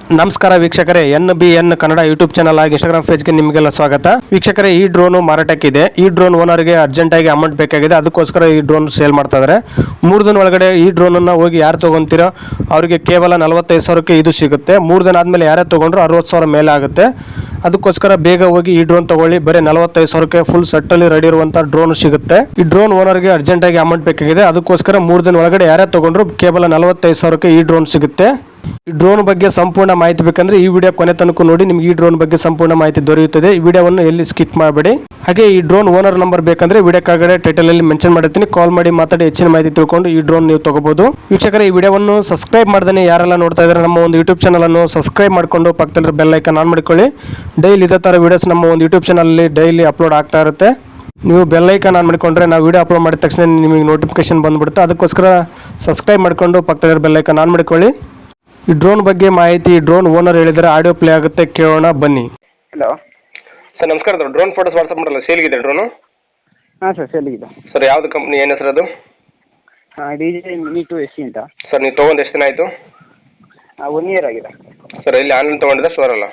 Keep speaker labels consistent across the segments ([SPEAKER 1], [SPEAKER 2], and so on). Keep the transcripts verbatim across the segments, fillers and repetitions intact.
[SPEAKER 1] ನಮಸ್ಕಾರ ವೀಕ್ಷಕರೇ, N B N Kannada YouTube channel ಆಗಿ ಇನ್ಸ್ಟಾಗ್ರಾಮ್ ಪೇಜ್ಗೆ ನಿಮಗೆಲ್ಲ ಸ್ವಾಗತ. ವೀಕ್ಷಕರೇ, ಈ ಡ್ರೋನ್ ಮಾರಾಟಕ್ಕಿದೆ. ಈ ಡ್ರೋನ್ ಓನರ್ಗೆ ಅರ್ಜೆಂಟ್ ಆಗಿ ಅಮೌಂಟ್ ಬೇಕಾಗಿದೆ, ಅದಕ್ಕೋಸ್ಕರ ಈ ಡ್ರೋನ್ ಸೇಲ್ ಮಾಡ್ತಾ ಇದ್ದಾರೆ. ಮೂರು ದಿನ ಒಳಗಡೆ ಈ ಡ್ರೋನ್ ಅನ್ನ ಹೋಗಿ ಯಾರು ತಗೊಂತೀರೋ ಅವರಿಗೆ ಕೇವಲ ನಲವತ್ತೈದು ಸಾವಿರಕ್ಕೆ ಇದು ಸಿಗುತ್ತೆ. ಮೂರು ದಿನ ಆದ್ಮೇಲೆ ಯಾರೇ ತಗೊಂಡ್ರು ಅರವತ್ತು ಸಾವಿರ ಮೇಲೆ ಆಗುತ್ತೆ. ಅದಕ್ಕೋಸ್ಕರ ಬೇಗ ಹೋಗಿ ಈ ಡ್ರೋನ್ ತಗೊಳ್ಳಿ. ಬರೀ ನಲವತ್ತೈದು ಸಾವಿರಕ್ಕೆ ಫುಲ್ ಸೆಟ್ ಅಲ್ಲಿ ರೆಡಿ ಇರುವಂತ ಡ್ರೋನ್ ಸಿಗುತ್ತೆ. ಈ ಡ್ರೋನ್ ಓನರ್ಗೆ ಅರ್ಜೆಂಟ್ ಆಗಿ ಅಮೌಂಟ್ ಬೇಕಾಗಿದೆ, ಅದಕ್ಕೋಸ್ಕರ ಮೂರು ದಿನ ಒಳಗಡೆ ಯಾರೇ ತಗೊಂಡ್ರು ಕೇವಲ ನಲವತ್ತೈದು ಸಾವಿರಕ್ಕೆ ಈ ಡ್ರೋನ್ ಸಿಗುತ್ತೆ. ಈ ಡ್ರೋನ್ ಬಗ್ಗೆ ಸಂಪೂರ್ಣ ಮಾಹಿತಿ ಬೇಕಂದ್ರೆ ಈ ವಿಡಿಯೋ ಕೊನೆ ತನಕ ನೋಡಿ, ನಿಮ್ಗೆ ಈ ಡ್ರೋನ್ ಬಗ್ಗೆ ಸಂಪೂರ್ಣ ಮಾಹಿತಿ ದೊರೆಯುತ್ತದೆ. ಈ ವಿಡಿಯೋವನ್ನು ಎಲ್ಲಿ ಸ್ಕಿಪ್ ಮಾಡಬೇಡಿ. ಹಾಗೆ ಈ ಡ್ರೋನ್ ಓನರ್ ನಂಬರ್ ಬೇಕಂದ್ರೆ ವಿಡಿಯೋ ಕೆಳಗಡೆ ಟೈಟಲ್ ಅಲ್ಲಿ ಮೆನ್ಷನ್ ಮಾಡಿರ್ತೀನಿ, ಕಾಲ್ ಮಾಡಿ ಮಾತಾಡಿ ಹೆಚ್ಚಿನ ಮಾಹಿತಿ ತಿಳ್ಕೊಂಡು ಈ ಡ್ರೋನ್ ನೀವು ತಗೋಬಹುದು. ವೀಕ್ಷಕರೇ, ಈ ವಿಡಿಯೋವನ್ನು ಸಬ್ಸ್ಕ್ರೈಬ್ ಮಾಡ್ದೇ ಯಾರೆಲ್ಲ ನೋಡ್ತಾ ಇದ್ದಾರೆ ನಮ್ಮ ಒಂದು ಯೂಟ್ಯೂಬ್ ಚಾನಲ್ ಅನ್ನು ಸಬ್ಸ್ಕ್ರೈಬ್ ಮಾಡ್ಕೊಂಡು ಪಕ್ಕದಲ್ಲಿ ಬೆಲ್ ಐಕಾನ್ ಆನ್ ಮಾಡ್ಕೊಳ್ಳಿ. ಡೈಲಿ ಇದೇ ತರ ವಿಡಿಯೋಸ್ ನಮ್ಮ ಒಂದು ಯೂಟ್ಯೂಬ್ ಚಾನಲ್ ಅಲ್ಲಿ ಡೈಲಿ ಅಪ್ಲೋಡ್ ಆಗ್ತಾ ಇರುತ್ತೆ. ನೀವು ಬೆಲ್ ಐಕಾನ್ ಆನ್ ಮಾಡಿಕೊಂಡ್ರೆ ನಾವು ವಿಡಿಯೋ ಅಪ್ಲೋಡ್ ಮಾಡಿದ ತಕ್ಷಣ ನಿಮಗೆ ನೋಟಿಫಿಕೇಶನ್ ಬಂದ್ಬಿಡುತ್ತೆ. ಅದಕ್ಕೋಸ್ಕರ ಸಬ್ಸ್ಕ್ರೈಬ್ ಮಾಡ್ಕೊಂಡು ಪಕ್ಕದಲ್ಲಿ ಬೆಲ್ ಐಕಾನ್ ಆನ್ ಮಾಡ್ಕೊಳ್ಳಿ. ಈ ಡ್ರೋನ್ ಬಗ್ಗೆ ಮಾಹಿತಿ ಡ್ರೋನ್ ಓನರ್ ಹೇಳಿದರೆ ಆಡಿಯೋ ಪ್ಲೇ ಆಗುತ್ತೆ, ಕೇಳೋಣ ಬನ್ನಿ.
[SPEAKER 2] ಹಲೋ
[SPEAKER 3] ಸರ್ ನಮಸ್ಕಾರ. ಅದು ಡ್ರೋನ್ ಫೋಟೋಸ್ ವಾಟ್ಸಪ್ ಮಾಡಲ್ಲ, ಸೇಲ್ಗಿದೆ ಡ್ರೋನು?
[SPEAKER 2] ಹಾಂ ಸರ್, ಸೇಲಿಗಿದೆ.
[SPEAKER 3] ಸರ್ ಯಾವುದು ಕಂಪ್ನಿ, ಏನು ಹೆಸರು ಅದು?
[SPEAKER 2] D J mini two S C ಅಂತ.
[SPEAKER 3] ಸರ್ ನೀವು ತೊಗೊಂಡು ಎಷ್ಟು ದಿನ ಆಯಿತು?
[SPEAKER 2] ಒನ್ ಇಯರ್ ಆಗಿದೆ.
[SPEAKER 3] ಸರ್ ಇಲ್ಲಿ ಆನ್ಲೈನ್ ತೊಗೊಂಡಿದ್ದ ಸ್ಟೋರ್ ಅಲ್ಲ?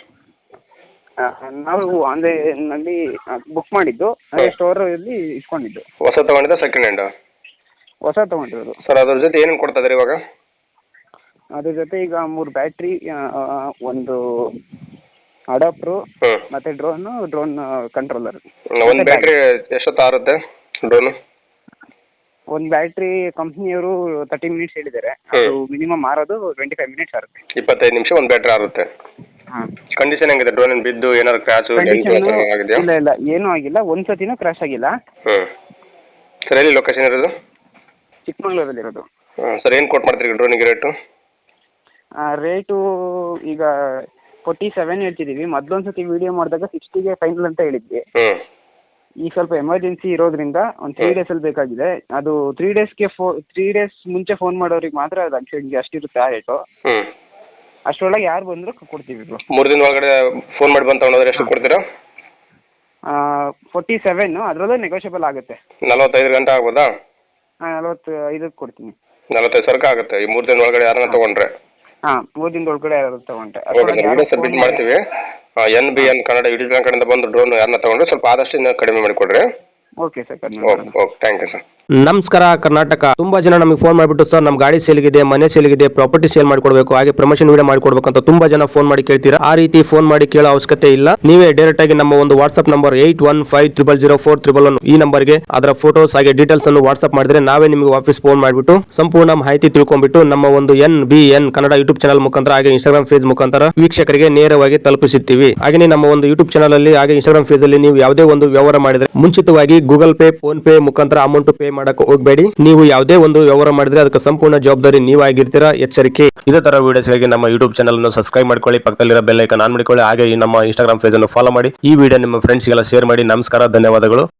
[SPEAKER 2] ನಾವು ಆನ್ಲೈನಲ್ಲಿ ಬುಕ್ ಮಾಡಿದ್ದು, ಅದೇ ಸ್ಟೋರಲ್ಲಿ ಇಸ್ಕೊಂಡಿದ್ದು.
[SPEAKER 3] ಹೊಸ ತೊಗೊಂಡಿದ್ದ ಸೆಕೆಂಡ್ ಹ್ಯಾಂಡ್?
[SPEAKER 2] ಹೊಸ ತೊಗೊಂಡಿರೋದು.
[SPEAKER 3] ಸರ್ ಅದ್ರ ಜೊತೆ ಏನೇನು ಕೊಡ್ತಾ ಇದ್ದಾರೆ ಇವಾಗ?
[SPEAKER 2] ಅದ್ರ ಜೊತೆ ಈಗ ಮೂರು ಬ್ಯಾಟ್ರಿ, ಒಂದು ಅಡಾಪ್ಟ್ರು, ಮತ್ತೆ ಡ್ರೋನು, ಡ್ರೋನ್ ಕಂಟ್ರೋಲರ್.
[SPEAKER 3] ಒಂದು ಬ್ಯಾಟ್ರಿ ಎಷ್ಟೊತ್ತು ಆರುತ್ತೆ ಡ್ರೋನು?
[SPEAKER 2] ಒಂದು ಬ್ಯಾಟ್ರಿ ಕಂಪ್ನಿಯವರು ತರ್ಟಿ ಮಿನಿಟ್ಸ್ ಹೇಳಿದ್ದಾರೆ, ಅದು ಮಿನಿಮಮ್ ಮಾರೋದು ಟ್ವೆಂಟಿ ಫೈವ್ ಮಿನಿಟ್ಸ್ ಆಗುತ್ತೆ.
[SPEAKER 3] ಇಪ್ಪತ್ತೈದು ನಿಮಿಷ ಒಂದು ಬ್ಯಾಟ್ರಿ ಆರುತ್ತೆ.
[SPEAKER 2] ಹಾಂ.
[SPEAKER 3] ಕಂಡೀಷನ್ ಹೆಂಗಿದೆ ಡ್ರೋನ್? ಬಿದ್ದು ಏನಾದ್ರು ಕ್ರ್ಯಾಚ್ ಆಗಿದೆಯಾ?
[SPEAKER 2] ಇಲ್ಲ ಇಲ್ಲ, ಏನೂ ಆಗಿಲ್ಲ, ಒಂದು ಸತಿನೂ ಕ್ರ್ಯಾಶ್ ಆಗಿಲ್ಲ.
[SPEAKER 3] ಹ್ಞೂ. ಸರ್ ಎಲ್ಲಿ ಲೊಕೇಶನ್ ಇರೋದು?
[SPEAKER 2] ಚಿಕ್ಕಮಗಳೂರಲ್ಲಿರೋದು.
[SPEAKER 3] ಹಾಂ. ಸರ್ ಏನು ಕೊಟ್ಟು ಮಾಡ್ತೀರಿ ಡ್ರೋನಿಗೆ ರೇಟು?
[SPEAKER 2] ರೇಟು ಈಗ ಫೋರ್ಟಿ ಸೆವೆನ್ ಹೇಳ್ತಿದ್ದೀವಿ. ಮೊದಲೊಂದು ಸತಿ ವಿಡಿಯೋ ಮಾಡಿದಾಗ ಸಿಕ್ಸ್ಟಿಗೆ ಫೈನಲ್ ಅಂತ ಹೇಳಿದ್ವಿ.
[SPEAKER 3] ಹ್ಞೂ.
[SPEAKER 2] ಈಗ ಸ್ವಲ್ಪ ಎಮರ್ಜೆನ್ಸಿ ಇರೋದ್ರಿಂದ ಒಂದು ತ್ರೀ ಡೇಸಲ್ಲಿ ಬೇಕಾಗಿದೆ. ಅದು ತ್ರೀ ಡೇಸ್ಗೆ ಫೋ ತ್ರೀ ಡೇಸ್ ಮುಂಚೆ ಫೋನ್ ಮಾಡೋರಿಗೆ ಮಾತ್ರ ಅದು ಅಷ್ಟು ಅಷ್ಟಿರುತ್ತೆ ಆ ರೇಟು.
[SPEAKER 3] ಹ್ಞೂ.
[SPEAKER 2] ಅಷ್ಟರೊಳಗೆ ಯಾರು ಬಂದರೂ ಕೊಡ್ತೀವಿ.
[SPEAKER 3] ಮೂರು ದಿನ ಒಳಗಡೆ ಫೋನ್ ಮಾಡಿ ಬಂದು ತಗೊಂಡ್ರೆ ಎಷ್ಟು ಕೊಡ್ತೀರಾ?
[SPEAKER 2] ಫೋರ್ಟಿ ಸೆವೆನ್ನು, ಅದರಲ್ಲೂ ನೆಗೋಷಿಯಬಲ್ ಆಗುತ್ತೆ.
[SPEAKER 3] ನಲವತ್ತೈದು ಗಂಟೆ ಆಗ್ಬೋದಾ?
[SPEAKER 2] ಹಾಂ, ನಲವತ್ತು ಐದಕ್ಕೆ ಕೊಡ್ತೀನಿ.
[SPEAKER 3] ನಲವತ್ತೈದು ಸಾವಿರಕ್ಕೆ ಆಗುತ್ತೆ ಈ ಮೂರು ದಿನ ಒಳಗಡೆ ಯಾರನ್ನ ತೊಗೊಂಡ್ರೆ?
[SPEAKER 2] ಹಾಂ, ಮೂರು ದಿನದ ಒಳಗಡೆ ಯಾರು ತೊಗೊಂಡ್ರೆ
[SPEAKER 3] ವಿಡಿಯೋ ಸಬ್ಮಿಟ್ ಮಾಡ್ತೀವಿ. N B N Kannada YouTube channel ಕಡೆಯಿಂದ ಬಂದು ಡ್ರೋನ್ ಯಾರನ್ನ ತೊಗೊಂಡ್ರೆ ಸ್ವಲ್ಪ ಆದಷ್ಟು ಇನ್ನೂ ಕಡಿಮೆ ಮಾಡಿಕೊಡ್ರಿ.
[SPEAKER 2] Okay sir.
[SPEAKER 3] Okay okay, thank you sir.
[SPEAKER 1] ನಮಸ್ಕಾರ ಕರ್ನಾಟಕ. ತುಂಬಾ ಜನ ನಮಗೆ ಫೋನ್ ಮಾಡಿಬಿಟ್ಟು ಸರ್ ನಮ್ಮ ಗಾಡಿ ಸೇಲ್ಗಿದೆ, ಮನೆ ಸೇಲ್ಗಿದೆ, ಪ್ರಾಪರ್ಟಿ ಸೇಲ್ ಮಾಡಿಕೊಡ್ಬೇಕು, ಹಾಗೆ ಪ್ರಮೋಷನ್ ವಿಡಿಯೋ ಮಾಡಿಕೊಡ್ಬೇಕು ಅಂತ ತುಂಬಾ ಜನ ಫೋನ್ ಮಾಡಿ ಕೇಳ್ತೀರಾ. ಆ ರೀತಿ ಫೋನ್ ಮಾಡಿ ಕೇಳೋ ಅವಶ್ಯಕತೆ ಇಲ್ಲ. ನೀವೇ ಡೈರೆಕ್ಟ್ ಆಗಿ ನಮ್ಮ ಒಂದು WhatsApp number eight one five triple zero four triple one ಈ ನಂಬರ್ಗೆ ಅದರ ಫೋಟೋಸ್ ಹಾಗೆ ಡೀಟೇಲ್ಸ್ ಅನ್ನು ವಾಟ್ಸ್ಆಪ್ ಮಾಡಿದ್ರೆ ನಾವೇ ನಿಮಗೆ ವಾಪಸ್ ಫೋನ್ ಮಾಡಿಬಿಟ್ಟು ಸಂಪೂರ್ಣ ಮಾಹಿತಿ ತಿಳ್ಕೊಂಡ್ಬಿಟ್ಟು ನಮ್ಮ ಒಂದು N B N Kannada YouTube channel ಮುಖಾಂತರ ಹಾಗೆ ಇನ್ಸ್ಟಾಗ್ರಾಮ್ ಪೇಜ್ ಮುಖಾಂತರ ವೀಕ್ಷಕರಿಗೆ ನೇರವಾಗಿ ತಲುಪಿಸುತ್ತೀವಿ. ಹಾಗೆ ನಮ್ಮ ಒಂದು ಯೂಟ್ಯೂಬ್ ಚಾನಲ್ ಅಲ್ಲಿ ಹಾಗೆ ಇನ್ಸ್ಟಾಗ್ರಾಮ್ ಪೇಜ್ ಅಲ್ಲಿ ನೀವು ಯಾವುದೇ ಒಂದು ವ್ಯವಹಾರ ಮಾಡಿದ್ರೆ ಮುಂಚಿತವಾಗಿ ಗೂಗಲ್ ಪೇ, ಫೋನ್ ಪೇ ಮುಖಾಂತರ ಅಮೌಂಟ್ ಪೇ ಮಾಡಕ್ಕೆ ಹೋಗಬೇಡಿ. ನೀವು ಯಾವುದೇ ಒಂದು ವ್ಯವಹಾರ ಮಾಡಿದ್ರೆ ಅದಕ್ಕೆ ಸಂಪೂರ್ಣ ಜವಾಬ್ದಾರಿ ನೀವಾಗಿರ್ತೀರಾ, ಎಚ್ಚರಿಕೆ. ಇದೇ ತರ ವಿಡಿಯೋಸ್ಗಾಗಿ ನಮ್ಮ ಯೂಟ್ಯೂಬ್ ಚಾನಲ್ ಅನ್ನು ಸಬ್ಸ್ಕ್ರೈಬ್ ಮಾಡ್ಕೊಳ್ಳಿ, ಪಕ್ಕದಲ್ಲಿರೋ ಬೆಲ್ ಐಕಾನ್ ಆನ್ ಮಾಡಿಕೊಳ್ಳಿ, ಹಾಗೆ ಈ ನಮ್ಮ ಇನ್ಸ್ಟಾಗ್ರಾಮ್ ಪೇಜ್ ಅನ್ನು ಫಾಲೋ ಮಾಡಿ. ಈ ವಿಡಿಯೋ ನಿಮ್ಮ ಫ್ರೆಂಡ್ಸ್ಗೆಲ್ಲ ಶೇರ್ ಮಾಡಿ. ನಮಸ್ಕಾರ, ಧನ್ಯವಾದಗಳು.